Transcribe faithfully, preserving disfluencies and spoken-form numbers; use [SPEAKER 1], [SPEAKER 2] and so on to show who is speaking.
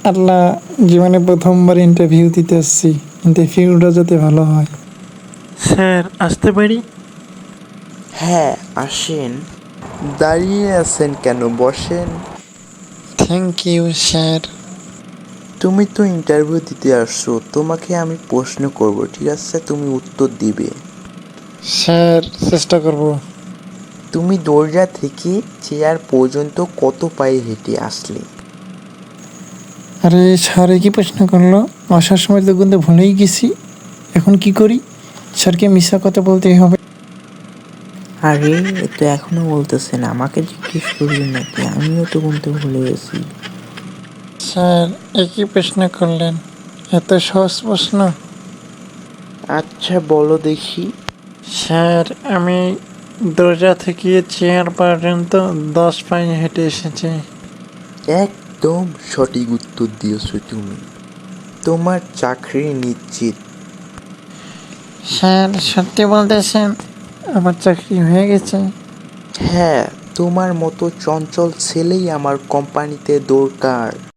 [SPEAKER 1] আল্লাহ, জীবনে প্রথমবার ইন্টারভিউ দিতে আসছি, ইন্টারভিউটা যাতে ভালো হয়।
[SPEAKER 2] স্যার, আসতে পারি?
[SPEAKER 3] হ্যাঁ, আসেন। দাঁড়িয়ে আছেন কেন, বসেন।
[SPEAKER 1] Thank you sir.
[SPEAKER 3] তুমি তো ইন্টারভিউ দিতে আসছো, তোমাকে আমি প্রশ্ন করব, ঠিক আছে? তুমি উত্তর দিবে।
[SPEAKER 1] স্যার, চেষ্টা করব।
[SPEAKER 3] তুমি দরজা থেকে চেয়ার পর্যন্ত কত পায়ে হেঁটে আসলে?
[SPEAKER 1] আরে স্যার, কি প্রশ্ন করলো? আসার সময় তো কিন্তু ভুলেই গেছি, এখন কি করি? স্যারকে মিথ্যা কথা বলতেই হবে।
[SPEAKER 4] আরে, এ তো এখনো বলতেছেন, আমাকে জিজ্ঞেস করবেন নাকি? আমিও তো গুনতে ভুলে গেছি।
[SPEAKER 1] স্যার, একই প্রশ্ন করলেন, এত সহজ প্রশ্ন?
[SPEAKER 3] আচ্ছা, বলো দেখি।
[SPEAKER 1] স্যার, আমি দরজা থেকে চেয়ার পর্যন্ত দশ পায়ে হেঁটে এসেছি।
[SPEAKER 3] একদম সঠিক উত্তর দিয়েছো তুমি। তোমার চাকরি নিশ্চিত।
[SPEAKER 1] স্যার, সত্যি বলতেছেন? আমার চাকরি হয়ে গেছে?
[SPEAKER 3] হ্যাঁ, তোমার মতো চঞ্চল ছেলেই আমার কোম্পানিতে দরকার।